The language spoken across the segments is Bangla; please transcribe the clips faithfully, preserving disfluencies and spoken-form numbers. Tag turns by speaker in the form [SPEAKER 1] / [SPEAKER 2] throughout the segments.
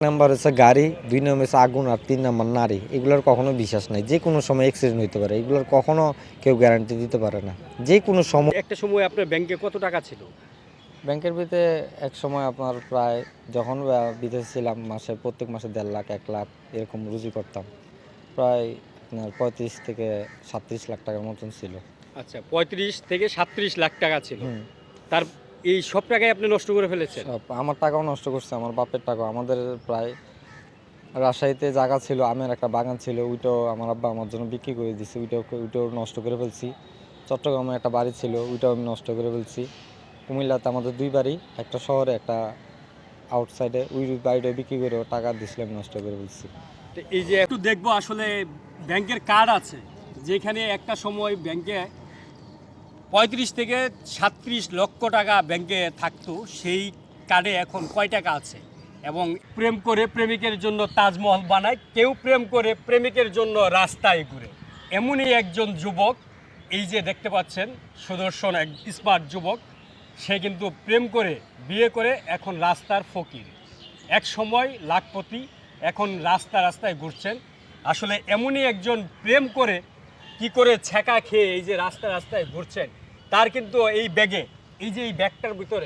[SPEAKER 1] নাম্বার হচ্ছে গাড়ি, দুই নাম্বার হচ্ছে আগুন, আর তিন নাম্বার নারী। এগুলোর কখনো বিশ্বাস নাই, যে কোনো সময় অ্যাক্সিডেন্ট হইতে পারে, এগুলোর কখনো কেউ গ্যারান্টি দিতে পারে না। যে কোনো সময়
[SPEAKER 2] একটা সময় আপনার ব্যাংকে কত টাকা ছিল?
[SPEAKER 1] ব্যাংকের ভিতরে এক সময় আপনার প্রায় যখন আহ, বিদেশে ছিলাম, মাসে প্রত্যেক মাসে দেড় লাখ এক লাখ এরকম রুজি করতাম। প্রায় আপনার পঁয়ত্রিশ থেকে সাতত্রিশ লাখ টাকার মতন ছিল।
[SPEAKER 2] আচ্ছা, পঁয়ত্রিশ থেকে সাতত্রিশ লাখ টাকা ছিল।
[SPEAKER 1] হুম।
[SPEAKER 2] তার এই সব টাকাই আপনি নষ্ট করে ফেলেছেন?
[SPEAKER 1] সব আমার টাকাও নষ্ট করছে, আমার বাপের টাকাও। আমাদের প্রায় রাজশাহীতে জায়গা ছিল, আমের একটা বাগান ছিল, ওইটাও আমার আব্বা আমার জন্য বিক্রি করে দিছে, ওইটাও ওইটাও নষ্ট করে ফেলছি। চট্টগ্রামে একটা বাড়ি ছিল, ওইটাও আমি নষ্ট করে ফেলছি। কুমিল্লাতে আমাদের দুই বাড়ি, একটা শহরে একটা আউটসাইডে, ওই বাড়িটা বিক্রি করে টাকা দিছিলাম, নষ্ট করে ফেলছি।
[SPEAKER 2] তো এই যে একটু দেখবো আসলে ব্যাংকের কার্ড আছে, যেখানে একটা সময় ব্যাংকে পঁয়ত্রিশ থেকে সাতত্রিশ লক্ষ টাকা ব্যাংকে থাকতো, সেই কার্ডে এখন কয় টাকা আছে। এবং প্রেম করে প্রেমিকের জন্য তাজমহল বানায়, কেউ প্রেম করে প্রেমিকের জন্য রাস্তায় ঘুরে। এমনই একজন যুবক, এই যে দেখতে পাচ্ছেন সুদর্শন এক স্মার্ট যুবক, সে কিন্তু প্রেম করে বিয়ে করে এখন রাস্তার ফকির। এক সময় লাখপতি, এখন রাস্তা রাস্তায় ঘুরছেন। আসলে এমনই একজন প্রেম করে কি করে ছ্যাঁকা খেয়ে এই যে রাস্তা রাস্তায় ঘুরছেন, তার কিন্তু এই ব্যাগে, এই যে এই ব্যাগটার ভিতরে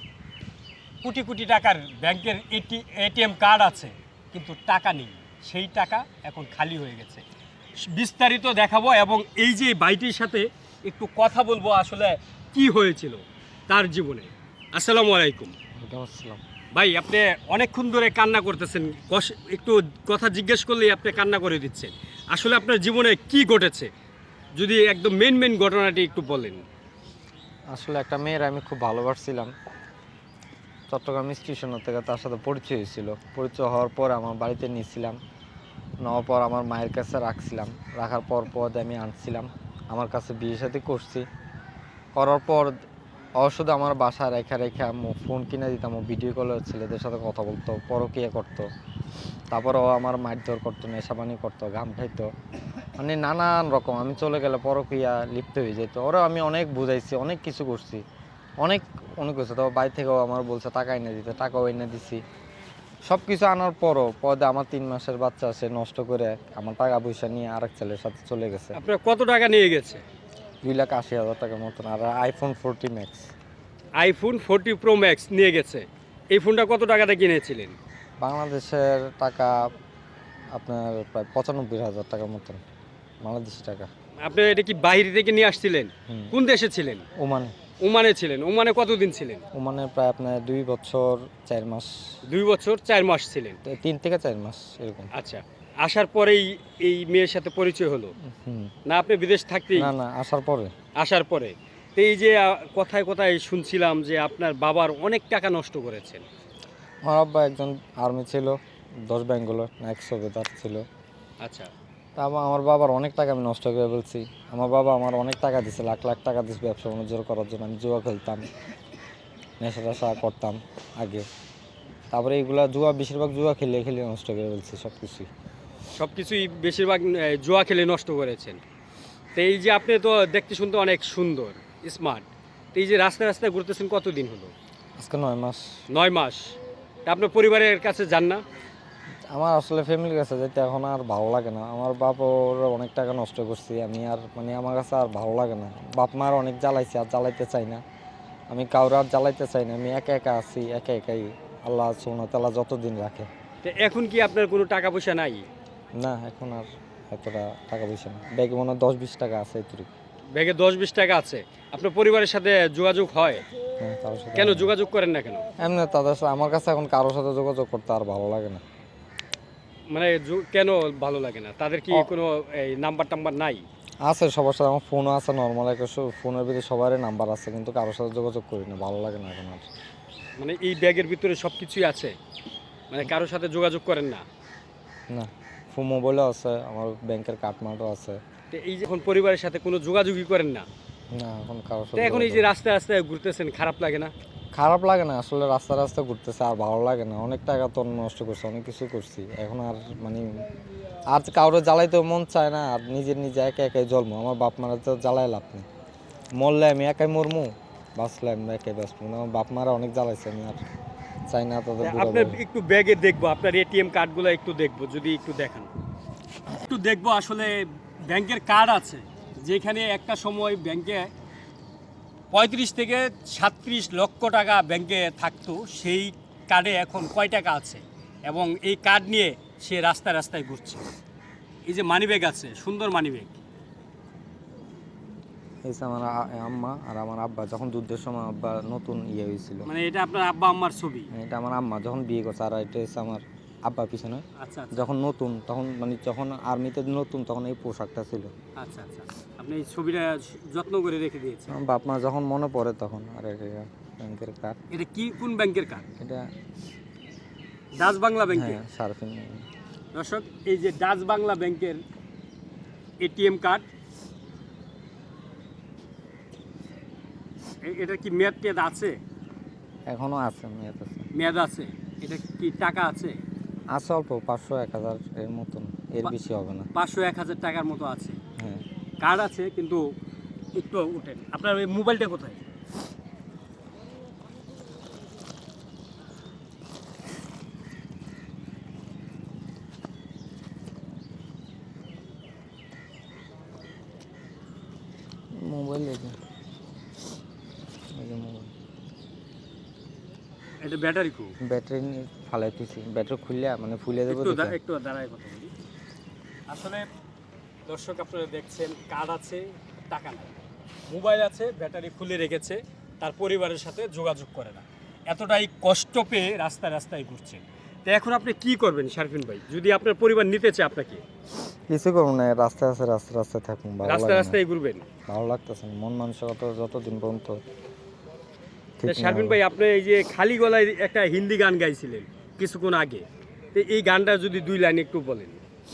[SPEAKER 2] কোটি কোটি টাকার ব্যাংকের এটি এটিএম কার্ড আছে, কিন্তু টাকা নেই। সেই টাকা এখন খালি হয়ে গেছে। বিস্তারিত দেখাবো এবং এই যে বাইটির সাথে একটু কথা বলবো আসলে কি হয়েছিল তার জীবনে। আসসালামু আলাইকুম
[SPEAKER 1] আসসালাম।
[SPEAKER 2] ভাই, আপনি অনেকক্ষণ ধরে কান্না করতেছেন, কষ- একটু কথা জিজ্ঞেস করলেই আপনি কান্না করে দিচ্ছেন। আসলে আপনার জীবনে কি ঘটেছে, যদি একদম মেন মেন ঘটনাটি একটু বলেন।
[SPEAKER 1] আসলে একটা মেয়ের আমি খুব ভালোবাসছিলাম, চট্টগ্রাম স্টেশন থেকে তার সাথে পরিচয় হয়েছিল। পরিচয় হওয়ার পর আমার বাড়িতে নিয়েছিলাম, নেওয়ার পর আমার মায়ের কাছে রাখছিলাম, রাখার পর পর আমি আনছিলাম আমার কাছে, বিয়ে সাথে করছি। করার পর অবশ্যই আমার বাসায় রেখা রেখে আম্মু ফোন কিনে দিতাম, ও ভিডিও কলে ছেলেদের সাথে কথা বলতো, পরকীয়া করতো। তারপর ও আমার মারধর করতো, নেশাবানি করতো, ঘাম খাইতো, মানে নানান রকম। আমি চলে গেলে পরকীয়া লিপ্ত হয়ে যেত। ওরা আমি অনেক বুঝাইছি, অনেক কিছু করছি, অনেক অনেক কিছু। তো বাড়ি থেকেও আমার বলছে টাকা এনে দিতে, টাকাও এনে দিছি। সব কিছু আনার পরও পদে আমার তিন মাসের বাচ্চা সে নষ্ট করে আমার টাকা পয়সা নিয়ে আরেক ছেলের সাথে চলে গেছে।
[SPEAKER 2] আপনার কত টাকা নিয়ে গেছে?
[SPEAKER 1] দুই লাখ আশি হাজার টাকার মতন। আর iPhone forty max.
[SPEAKER 2] IPhone forty pro max নিয়ে গেছে। এই ফোনটা কত টাকাতে কিনেছিলেন?
[SPEAKER 1] বাংলাদেশের টাকা আপনার প্রায় পঁচানব্বই হাজার টাকার মতন, বাংলাদেশি টাকা।
[SPEAKER 2] আপনি এটা কি বাইরে থেকে নিয়ে আসছিলেন?
[SPEAKER 1] হুম।
[SPEAKER 2] কোন দেশে ছিলেন?
[SPEAKER 1] ওমানে।
[SPEAKER 2] ওমানে ছিলেন। ওমানে কতদিন ছিলেন?
[SPEAKER 1] ওমানে প্রায় আপনার দুই বছর চার মাস।
[SPEAKER 2] দুই বছর চার মাস ছিলেন।
[SPEAKER 1] তিন থেকে চার মাস এরকম।
[SPEAKER 2] আচ্ছা, আসার পরেই এই মেয়ের সাথে পরিচয় হলো,
[SPEAKER 1] হুম।
[SPEAKER 2] না আপনি বিদেশ থাকতেই?
[SPEAKER 1] না না, আসার পরে।
[SPEAKER 2] আসার পরে। তো এই যে আহ, কথায় কথায় শুনছিলাম যে আপনার বাবার অনেক টাকা নষ্ট করেছেন।
[SPEAKER 1] আমার আব্বা একজন আর্মি ছিল, দশ বেঙ্গলের নায়ক সুবেদার ছিল।
[SPEAKER 2] আচ্ছা।
[SPEAKER 1] তা আমা- আমার বাবার অনেক টাকা আমি নষ্ট করে ফেলছি। আমার বাবা আমার অনেক টাকা দিছে, লাখ লাখ টাকা দিচ্ছে ব্যবসা বাণিজ্য করার জন্য। আমি জুয়া খেলতাম, নেশা টেশা করতাম আগে। তারপরে এইগুলা জুয়া, বেশিরভাগ জুয়া খেলে খেলে নষ্ট করে ফেলছি সব কিছুই।
[SPEAKER 2] সব কিছুই বেশিরভাগ আহ, জুয়া খেলে নষ্ট করেছেন। তো এই যে আপনি তো দেখতে শুনতে অনেক সুন্দর, স্মার্ট, তো এই যে রাস্তায় রাস্তায় ঘুরতেছেন কতদিন হলো?
[SPEAKER 1] আজকে নয় মাস।
[SPEAKER 2] নয় মাস। তা আপনার পরিবারের কাছে যান না?
[SPEAKER 1] আমার আসলে ফ্যামিলির কাছে যেতে এখন আর ভালো লাগে না। আমার বাপ ওর অনেক টাকা নষ্ট করছি, আমি আর মানে আমার কাছে আর ভালো লাগে না। বাপ মার অনেক জ্বালাইছি, আর জ্বালাইতে চাই না। আমি কাউরে আর জ্বালাইতে চাই না, আমি একা একা আছি, একা একাই আল্লাহ সুবহানাহু ওয়া তাআলা যতদিন রাখে।
[SPEAKER 2] তো এখন কি আপনার কোনো টাকা পয়সা নাই?
[SPEAKER 1] না, এখন আর এতটা টাকা পয়সা না, ব্যাগে মনে হয় দশ বিশ টাকা আছে এটুকু।
[SPEAKER 2] ব্যাগে দশ বিশ টাকা আছে। আপনার পরিবারের সাথে যোগাযোগ হয়?
[SPEAKER 1] হ্যাঁ, কারোর সাথে
[SPEAKER 2] কেন
[SPEAKER 1] আমার-
[SPEAKER 2] যোগাযোগ করেন না কেন?
[SPEAKER 1] এমনি তাদের সাথে আমার কাছে এখন কারোর সাথে যোগাযোগ করতে আর ভালো লাগে না।
[SPEAKER 2] মানে যো- কেন ভালো লাগে না? তাদের কি
[SPEAKER 1] অ-
[SPEAKER 2] কোনো এই নাম্বার টাম্বার নাই?
[SPEAKER 1] আছে সবার সাথে, আমার ফোনও আছে, নর্মাল একটা ফোনের ভিতরে সবারই নাম্বার আছে, কিন্তু কারোর সাথে যোগাযোগ করি না, ভালো লাগে না এখন আর।
[SPEAKER 2] মানে এই ব্যাগের ভিতরে সব কিছুই আছে, মানে কারোর সাথে যোগাযোগ করেন না?
[SPEAKER 1] না, ফোন মোবাইলও আছে, আমার ব্যাংকের কার্ডমার্টও আছে।
[SPEAKER 2] তো এই যে এখন পরিবারের সাথে কোনো যোগাযোগই করেন না,
[SPEAKER 1] না, এখন কারোর
[SPEAKER 2] তো
[SPEAKER 1] সাথে
[SPEAKER 2] এখন এই যে
[SPEAKER 1] যোগাযোগ-
[SPEAKER 2] রাস্তায় রাস্তায় ঘুরতেছেন, খারাপ লাগে না?
[SPEAKER 1] খারাপ লাগে না আসলে, রাস্তা রাস্তা ঘুরতেছে আর ভালো লাগে না। অনেক টাকা তো নষ্ট করছি, অনেক কিছু করছি, এখন আর মানে আর কাউরে জ্বালাইতেও মন চায় না। আর নিজের নিজে একা একাই জন্ম, আমার বাপ মারা তো জ্বালাই লাভ নেই। মরলে আমি একাই মরমু, বাঁচলে আমি একাই বাঁচবো না। আমার বাপ মারা অনেক জ্বালাইছে, আমি আর চাই না তাদের বুড়া
[SPEAKER 2] আপনার
[SPEAKER 1] বয়স।
[SPEAKER 2] একটু ব্যাগে দেখবো, আপনার এটিএম কার্ডগুলো একটু দেখবো, যদি একটু দেখান। একটু দেখবো আসলে ব্যাংকের কার্ড আছে যেখানে একটা সময় ব্যাংকে পঁয়ত্রিশ থেকে সাতত্রিশ লক্ষ টাকা ব্যাংকে থাকতো, সেই কার্ডে এখন কয় টাকা আছে এবং এই কার্ড নিয়ে সে রাস্তায় রাস্তায় ঘুরছে। এই যে মানিব্যাগ আছে, সুন্দর মানিব্যাগ।
[SPEAKER 1] এই যে আমার আ- আম্মা আর আমার আব্বা যখন যুদ্ধের সময় আব্বা নতুন ইয়ে হয়েছিল,
[SPEAKER 2] মানে এটা আপনার আব্বা আম্মার ছবি?
[SPEAKER 1] এটা আমার আম্মা যখন বিয়ে করছে, আর এটা হচ্ছে আমার আব্বা পিছনে
[SPEAKER 2] আচ্ছা আচ্ছা
[SPEAKER 1] যখন নতুন, তখন মানে যখন আর্মিতে নতুন তখন এই পোশাকটা ছিল।
[SPEAKER 2] আচ্ছা আচ্ছা আপনি এই ছবিটা যত্ন করে রেখে দিয়েছেন।
[SPEAKER 1] আমার বাপ মা যখন মনে পড়ে তখন। আর এটা ব্যাংকের কার্ড,
[SPEAKER 2] এটা কি, কোন ব্যাংকের কার্ড?
[SPEAKER 1] এটা
[SPEAKER 2] ডাচ বাংলা ব্যাংকের।
[SPEAKER 1] হ্যাঁ সার্ফিং।
[SPEAKER 2] দর্শক, এই যে ডাচ বাংলা ব্যাংকের এটিএম কার্ড, এটা কি মেয়াদ টেয়াদ আছে?
[SPEAKER 1] এখনো আছে, মেয়াদ আছে।
[SPEAKER 2] মেয়াদ আছে। এটা কি টাকা আছে?
[SPEAKER 1] আছে অল্প, পাঁচশো এক হাজার এর মতন, এর
[SPEAKER 2] পা-
[SPEAKER 1] বেশি হবে না।
[SPEAKER 2] পাঁচশো এক হাজার টাকার মতো আছে।
[SPEAKER 1] হ্যাঁ
[SPEAKER 2] কার্ড আছে কিন্তু একটু উঠেন। আপনার ওই মোবাইলটা কোথায়?
[SPEAKER 1] মোবাইল এই যে, এই যে মোবাইল,
[SPEAKER 2] এটা ব্যাটারি খুব
[SPEAKER 1] ব্যাটারি নিয়ে ফালাইতেছি, ব্যাটারি খুললে মানে ফুলে দেবো
[SPEAKER 2] একটু
[SPEAKER 1] দেখে।
[SPEAKER 2] দা- একটু দাঁড়ায় কথা বলি। আসলে দর্শক, আপনারা দেখছেন কার্ড আছে, টাকা নাই, মোবাইল আছে, ব্যাটারি খুলে রেখেছে, তার পরিবারের সাথে যোগাযোগ করে না, এতটাই কষ্ট পেয়ে রাস্তায় রাস্তায় ঘুরছে। তো এখন আপনি কি করবেন শারফিন ভাই, যদি আপনার পরিবার নিতে চায় আপনাকে?
[SPEAKER 1] কিছু করবো না, রাস্তায় আছে, রাস্তায় রাস্তায় থাকুন, ভালো
[SPEAKER 2] রাস্তায়
[SPEAKER 1] লাগে না।
[SPEAKER 2] রাস্তায় ঘুরবেন?
[SPEAKER 1] ভালো লাগতেছে না, মন মানসিকতা যতদিন পর্যন্ত ঠিক
[SPEAKER 2] তা
[SPEAKER 1] না
[SPEAKER 2] শারফিন
[SPEAKER 1] হবে।
[SPEAKER 2] ভাই, আপনি এই যে খালি গলায় একটা হিন্দি গান গাইছিলেন কিছুক্ষণ আগে, তো এই গানটা যদি দুই লাইন একটু বলেন,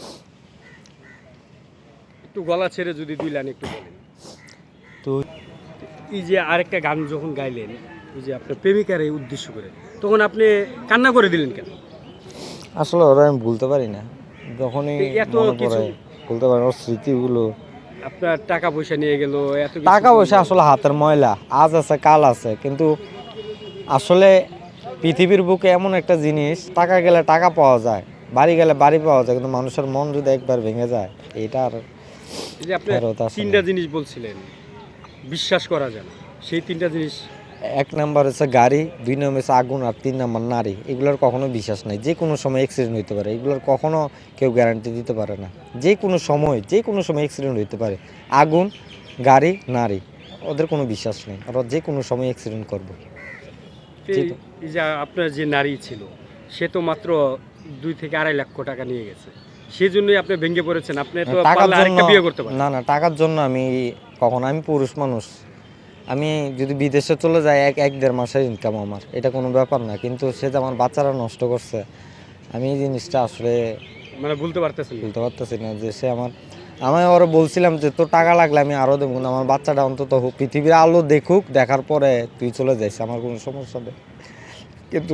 [SPEAKER 2] একটু গলা ছেড়ে যদি দুই লাইন একটু বলেন।
[SPEAKER 1] তো
[SPEAKER 2] এই যে আরেকটা গান যখন গাইলেন, এই যে আপনার প্রেমিকার এই উদ্দেশ্য করে, তখন আপনি কান্না করে দিলেন কেন?
[SPEAKER 1] আসলে ওরা আমি ভুলতে পারি না, যখনই
[SPEAKER 2] এই এত
[SPEAKER 1] মনে
[SPEAKER 2] কিছু,
[SPEAKER 1] পড়ে ভুলতে পারি না, ওর স্মৃতিগুলো।
[SPEAKER 2] আপনার টাকা পয়সা নিয়ে গেল, এত কিছু
[SPEAKER 1] টাকা পয়সা
[SPEAKER 2] করলো।
[SPEAKER 1] আসলে হাতের ময়লা, আজ আছে কাল আছে, কিন্তু আসলে পৃথিবীর বুকে এমন একটা জিনিস, টাকা গেলে টাকা পাওয়া যায়, বাড়ি গেলে বাড়ি পাওয়া যায়, কিন্তু মানুষের মন যদি একবার ভেঙে যায়, এটা আর
[SPEAKER 2] এই যে আপনি
[SPEAKER 1] ফেরত আসে না।
[SPEAKER 2] তিনটা জিনিস বলছিলেন বিশ্বাস করা যায় না, সেই তিনটা জিনিস।
[SPEAKER 1] এক নাম্বার হচ্ছে গাড়ি, দুই নাম্বার হচ্ছে আগুন, আর তিন নাম্বার নারী। এগুলোর কখনো বিশ্বাস নাই, যে কোনো সময় অ্যাক্সিডেন্ট হইতে পারে, এগুলোর কখনো কেউ গ্যারান্টি দিতে পারে না। যে কোনো সময় যে কোনো সময় অ্যাক্সিডেন্ট হইতে পারে। আগুন, গাড়ি, নারী, ওদের কোনো বিশ্বাস নেই, ওরা যে কোনো সময় অ্যাক্সিডেন্ট করবে। জি।
[SPEAKER 2] এই- এই যে আপনার যে নারী ছিল, সে তো মাত্র দুই থেকে আড়াই লক্ষ টাকা নিয়ে গেছে, সেই জন্যই আপনি ভেঙে পড়েছেন। আপনি তো
[SPEAKER 1] টাকার
[SPEAKER 2] পারলে
[SPEAKER 1] জন্য
[SPEAKER 2] আরেকটা বিয়ে করতে পারেন।
[SPEAKER 1] না না, টাকার জন্য আমি কখনো, আমি পুরুষ মানুষ, আমি যদি বিদেশে চলে যাই, এক এক দেড় মাসের ইনকাম আমার, এটা কোনো ব্যাপার না, কিন্তু সে যে আমার বাচ্চারা নষ্ট করছে, আমি এই জিনিসটা আসলে
[SPEAKER 2] মানে বলতে পারতেছেন না।
[SPEAKER 1] বলতে পারতেছি না। যে সে আমার, আমি ওরা বলছিলাম যে তোর টাকা লাগলে আমি আরও দেবো, কিন্তু আমার বাচ্চাটা অন্তত হোক, পৃথিবীর আলো দেখুক, দেখার পরে তুই চলে যাইস, আমার কোনো সমস্যা নেই, কিন্তু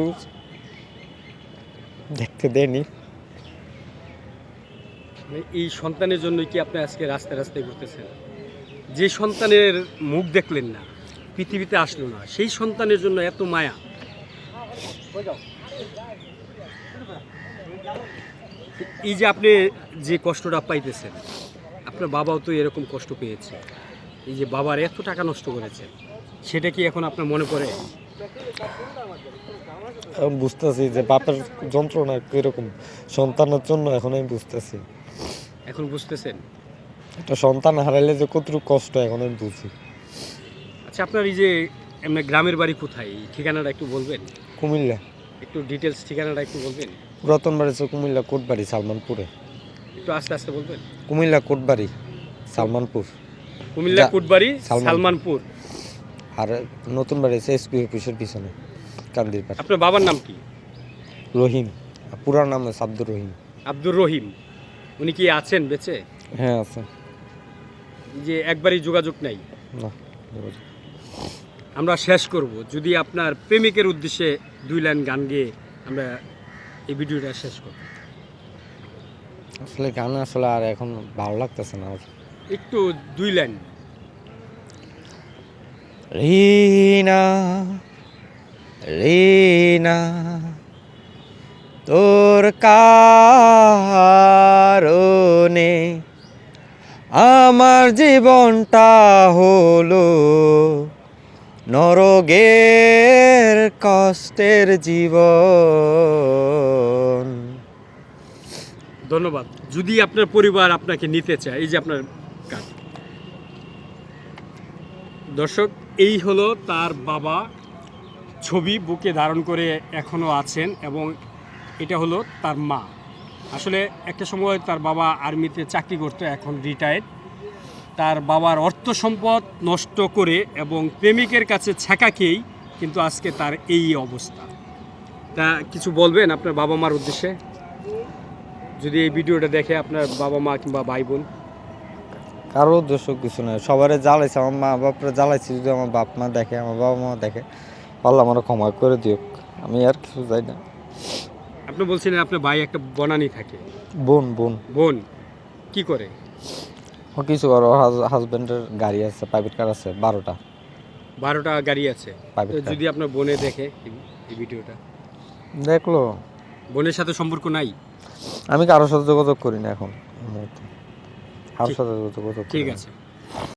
[SPEAKER 1] দেখতে দেয়নি।
[SPEAKER 2] মানে এই সন্তানের জন্য কি আপনি আজকে রাস্তায় রাস্তায় ঘুরতেছেন? যে সন্তানের মুখ দেখলেন না, পৃথিবীতে আসলো না, সেই সন্তানের জন্য এত মায়া। এই যে আপনি যে কষ্টটা পাইতেছেন, আপনার বাবাও তো এরকম কষ্ট পেয়েছে, এই যে বাবার এত টাকা নষ্ট করেছেন, সেটা কি এখন আপনার মনে পড়ে?
[SPEAKER 1] এখন বুঝতেছি যে বাপের যন্ত্রণা কিরকম সন্তানের জন্য, এখন আমি বুঝতেছি।
[SPEAKER 2] এখন বুঝতেছেন?
[SPEAKER 1] একটা সন্তান হারাইলে যে কতটুকু কষ্ট, এখন আমি বুঝি।
[SPEAKER 2] আচ্ছা, আপনার এই যে এমনি গ্রামের বাড়ি কোথায়, এই ঠিকানাটা একটু বলবেন?
[SPEAKER 1] কুমিল্লা,
[SPEAKER 2] একটু ডিটেলস ঠিকানাটা একটু বলবেন?
[SPEAKER 1] পুরাতন বাড়ি হচ্ছে কুমিল্লা কোটবাড়ি, সালমানপুরে।
[SPEAKER 2] একটু আস্তে আস্তে বলবেন।
[SPEAKER 1] কুমিল্লা কোটবাড়ি, সালমানপুর।
[SPEAKER 2] কুমিল্লা
[SPEAKER 1] যা-
[SPEAKER 2] কুটবাড়ি,
[SPEAKER 1] সালমান-
[SPEAKER 2] সালমানপুর।
[SPEAKER 1] আর নতুন বাড়ি হচ্ছে এসপি অফিসের পিছনে, কান্দির পাশে।
[SPEAKER 2] আপনার বাবার নাম কি?
[SPEAKER 1] রহিম, পুরা নাম হচ্ছে আব্দুর রহিম।
[SPEAKER 2] আব্দুর রহিম। উনি কি আছেন বেঁচে?
[SPEAKER 1] হ্যাঁ আছে।
[SPEAKER 2] যে একবারই যোগাযোগ নাই।
[SPEAKER 1] না,
[SPEAKER 2] আমরা শেষ করব, যদি আপনার প্রেমিকের উদ্দেশ্যে দুই লাইন গান গেয়ে আমরা এই ভিডিওটা শেষ করব।
[SPEAKER 1] আসলে গান আসলে আর এখন ভালো লাগতেছে না।
[SPEAKER 2] একটু দুই লাইন।
[SPEAKER 1] রিনা রিনা তোর কারণে আমার জীবনটা হলো নরকের কষ্টের জীবন।
[SPEAKER 2] ধন্যবাদ। যদি আপনার পরিবার আপনাকে নিতে চায়, এই যে আপনার কার্ড, দর্শক এই হলো তার বাবা, ছবি বুকে ধারণ করে এখনও আছেন, এবং এটা হলো তার মা। আসলে একটা সময় তার বাবা আর্মিতে চাকরি করতো, এখন রিটায়ার্ড। তার বাবার অর্থ সম্পদ নষ্ট করে এবং প্রেমিকের কাছে ছ্যাঁকা খেয়েই কিন্তু আজকে তার এই অবস্থা। তা কিছু বলবেন আপনার বাবা মার উদ্দেশ্যে, যদি এই ভিডিওটা দেখে আপনার বাবা মা কিংবা ভাই বোন?
[SPEAKER 1] কারো উদ্দেশ্য কিছু নয়, সবারে জ্বালাইছে, আমার মা বাপরে জ্বালাইছি, যদি আমার বাপ মা দেখে, আমার বাবা মা দেখে, পারলে আমার ক্ষমা করে দিও, আমি আর কিছু চাই না।
[SPEAKER 2] আপনি বলছিলেন আপনার ভাই একটা বনানি থাকে,
[SPEAKER 1] বোন বোন
[SPEAKER 2] বোন কি করে?
[SPEAKER 1] ও কিছু করো, হাজবেন্ডের গাড়ি আছে, প্রাইভেট কার আছে বারোটা
[SPEAKER 2] বারোটা গাড়ি আছে।
[SPEAKER 1] প্রাইভেট
[SPEAKER 2] তো
[SPEAKER 1] কার।
[SPEAKER 2] যদি আপনার বোনে দেখে এই- এই ভিডিওটা,
[SPEAKER 1] দেখলো,
[SPEAKER 2] বোনের সাথে সম্পর্ক নাই?
[SPEAKER 1] আমি কারোর সাথে যোগাযোগ করি না এখন, কারোর সাথে যোগাযোগ করি
[SPEAKER 2] ঠিক
[SPEAKER 1] না।
[SPEAKER 2] আছে।